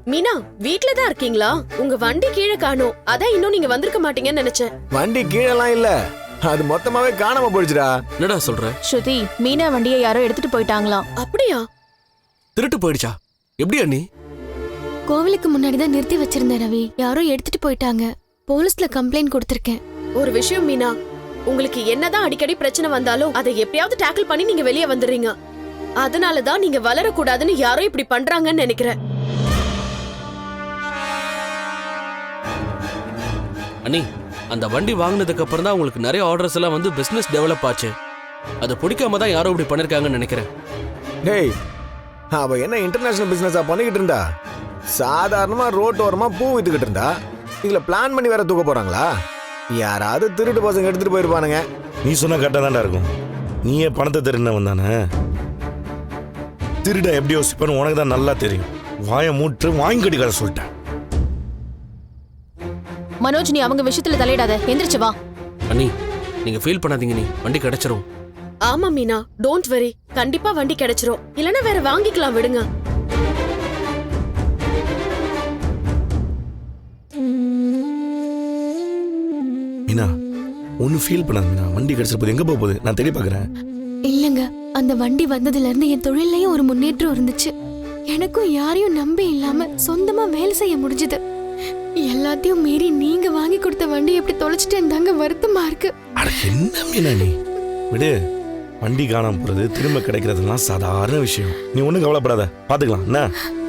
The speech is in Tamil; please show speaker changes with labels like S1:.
S1: மீனா வீட்ல தான் இருக்கீங்களா? உங்க வண்டி கீழே காணோம். அதான் இன்னும் நீங்க வந்திருக்க மாட்டீங்கன்னு நினைச்சேன்.
S2: வண்டி கீழெல்லாம் இல்ல, அது மொத்தமாவே காணாம போயிடுச்சுடா.
S3: என்னடா சொல்ற?
S4: ஸ்ருதி, மீனா வண்டியை யாரோ எடுத்துட்டு போயிட்டாங்களாம்.
S1: அப்படியா?
S3: திருட்டு போயிடுச்சா? எப்படி அண்ணி?
S5: கோவிலுக்கு முன்னாடி தான் நிறுத்தி வச்சிருந்தேன் ரவி. யாரோ எடுத்துட்டு போயிட்டாங்க. போலீஸ்ல கம்ப்ளைண்ட் கொடுத்திருக்கேன்.
S1: ஒரு விஷயம் மீனா, உங்களுக்கு என்னதான் அடிக்கடி பிரச்சனை வந்தாலும் அதை எப்படியாவது டேக்கிள் பண்ணி நீங்க வெளியே வந்துடுறீங்க. அதனாலதான் நீங்க வளரக்கூடாதுன்னு யாரோ இப்படி பண்றாங்கன்னு நினைக்கிறேன்.
S3: அண்ணி, அந்த வண்டி வாங்கினதுக்கு அப்புறம் தான் உங்களுக்கு நிறைய ஆர்டர்ஸ் எல்லாம் வந்து பிசினஸ் டெவலப் ஆச்சு. அதை பிடிக்காம தான் யாரோ இப்படி பண்ணிருக்காங்கன்னு நினைக்கிறேன்.
S2: டேய், அவ என்ன இன்டர்நேஷனல் பிசினஸா பண்ணிக்கிட்டு இருந்தா? சாதாரணமா ரோட்டோரமா பூ வித்துக்கிட்டு இருந்தா. இதுல பிளான் பண்ணி வேற தூக்க போறாங்களா? யாராவது திருட்டு பசங்க எடுத்துட்டு போயிருப்பானுங்க.
S6: நீ சொன்ன கரெக்டா தான்டா இருக்கும். நீயே பணத்தை திருடினவன் தானே. திருட எப்படி யோசிப்பான்னு உனக்கு தான் நல்லா தெரியும். வாயை மூட்டு வாங்கி கட்டிக்காத சொல்லிட்டேன்.
S4: மனோஜ், நீ அவங்க விஷயத்துல தலையிடாத. எந்திரிச்சு வா.
S3: அண்ணி, நீங்க ஃபீல் பண்ணாதீங்க, நீ வண்டி கிடைச்சிரும்.
S1: ஆமா மீனா, டோன்ட் வெரி. கண்டிப்பா வண்டி கிடைச்சிரும். இல்லனா வேற வாங்கிக்கலாம், விடுங்க.
S6: மீனா, ஒன்னும் ஃபீல் பண்ணாத மீனா. வண்டி கிடைச்சிட போது, எங்க போக போகுது நான் தேடி பாக்குறேன்.
S5: இல்லங்க, அந்த வண்டி வந்ததுல இருந்து என் தொழிலையும் ஒரு முன்னேற்றம் இருந்துச்சு. எனக்கும் யாரையும் நம்பி இல்லாம சொந்தமா வேலை செய்ய முடிஞ்சது. எல்லாத்தையும் மீறி நீங்க வாங்கி கொடுத்த வண்டி எப்படி தொலைச்சிட்டேன்னு தாங்க வருத்தமா இருக்கு.
S6: அட என்ன மீனா நீ விடு. வண்டி காணாம போறது திரும்ப கிடைக்கிறதுலாம் சாதாரண விஷயம். நீ ஒன்றும் கவலைப்படாத, பாத்துக்கலாம் என்ன.